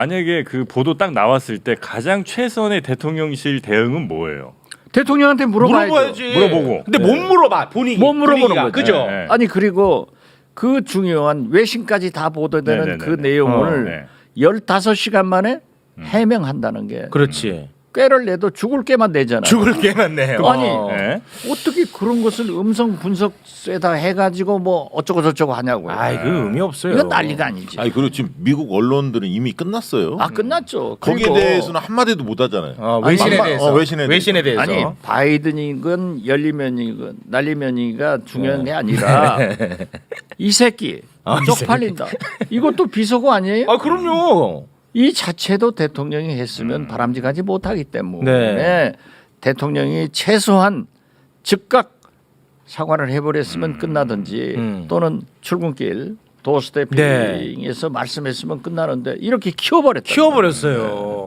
만약에 그 보도 딱 나왔을 때 가장 최선의 대통령실 대응은 뭐예요? 대통령한테 물어봐야죠. 물어봐야지. 물어보고. 근데 못 물어봐 본인이. 못 물어보는 분위기가. 거죠. 그죠? 네. 아니 그리고 그 중요한 외신까지 다 보도되는 네네네네. 그 내용을 네. 15시간 만에 해명한다는 게 그렇지. 꾀를 내도 죽을 꾀만 내잖아요. 죽을 게 많네요. 아니, 네. 어떻게 그런 것을 음성 분석에다 해가지고 뭐 어쩌고 저쩌고 하냐고요. 아이 그 의미 없어요. 이건 난리가 아니지. 아니 그리고 지금 미국 언론들은 이미 끝났어요. 아 끝났죠. 거기에 그리고 대해서는 한 마디도 못 하잖아요. 외신에 아니, 대해서. 외신에 대해서. 아니 바이든이건 열리면이건 날리면이가 중요한 게 아니라 이 새끼 쪽팔린다. 이것도 비속어 아니에요? 아 그럼요. 이 자체도 대통령이 했으면 바람직하지 못하기 때문에 네. 대통령이 최소한 즉각 사과를 해버렸으면 끝나든지 또는 출근길 도어스태핑에서 말씀했으면 끝나는데 이렇게 키워버렸다. 키워버렸어요.